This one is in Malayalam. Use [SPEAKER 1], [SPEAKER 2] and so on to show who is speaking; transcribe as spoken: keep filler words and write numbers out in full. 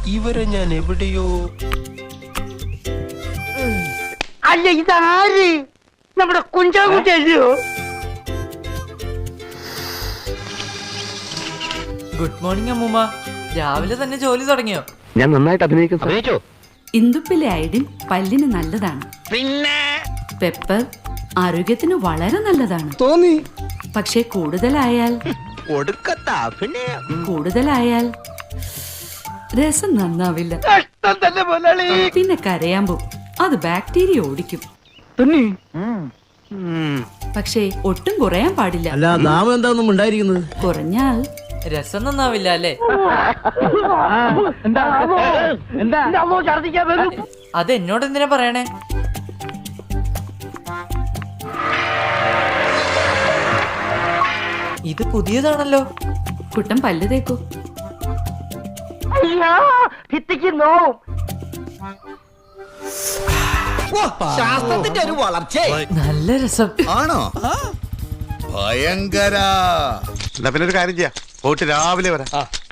[SPEAKER 1] ഇവരെ ഞാൻ എവിടെയോ.
[SPEAKER 2] അല്ല ഇതാര്? നമ്മുടെ കുഞ്ചാകുട്ടിയോ?
[SPEAKER 3] ഗുഡ് മോർണിംഗ് അമ്മൂമ്മ. രാവിലെ തന്നെ ജോലി തുടങ്ങിയോ?
[SPEAKER 4] ഞാൻ നന്നായിട്ട് അഭിനയിക്കും.
[SPEAKER 5] ഇന്ദുപ്പിലെ അയഡിൻ പല്ലിന് നല്ലതാണ്.
[SPEAKER 1] പിന്നെ
[SPEAKER 5] പെപ്പർ ആരോഗ്യത്തിന് വളരെ നല്ലതാണ്.
[SPEAKER 4] തോന്നി.
[SPEAKER 5] പക്ഷേ കൂടുതലായാൽ
[SPEAKER 1] കൊടുക്കത്താ പിന്നെ
[SPEAKER 5] കൂടുതലായാൽ രസം നന്നാവില്ല.
[SPEAKER 2] കഷ്ടം തന്നെ മുതലാളി.
[SPEAKER 5] പിന്നെ കരയാൻ പോകും. അത് ബാക്ടീരിയ ഓടിക്കും. പക്ഷേ ഒട്ടും കുറയാൻ പാടില്ല.
[SPEAKER 6] അല്ല നാമം എന്താണെന്നും ഉണ്ടായിരിക്കുന്നത്.
[SPEAKER 5] കുറഞ്ഞാൽ
[SPEAKER 3] രസം നന്നാവില്ല അല്ലേ?
[SPEAKER 2] ഛർദിക്കാൻ വരും.
[SPEAKER 3] അത് എന്നോട് എന്തിനാ പറയണേ? ഇത് പുതിയതാണല്ലോ.
[SPEAKER 5] കുട്ടൻ പല്ല് തേക്കൂ.
[SPEAKER 2] അയ്യോ ഭിത്തിക്ക് നോവും.
[SPEAKER 7] ശാസ്ത്രത്തിന്റെ ഒരു വളർച്ച
[SPEAKER 3] നല്ല രസം
[SPEAKER 7] ആണോ? ഭയങ്കര.
[SPEAKER 1] എന്നാ പിന്നെ ഒരു കാര്യം ചെയ്യാം, പോയിട്ട് രാവിലെ വരാം.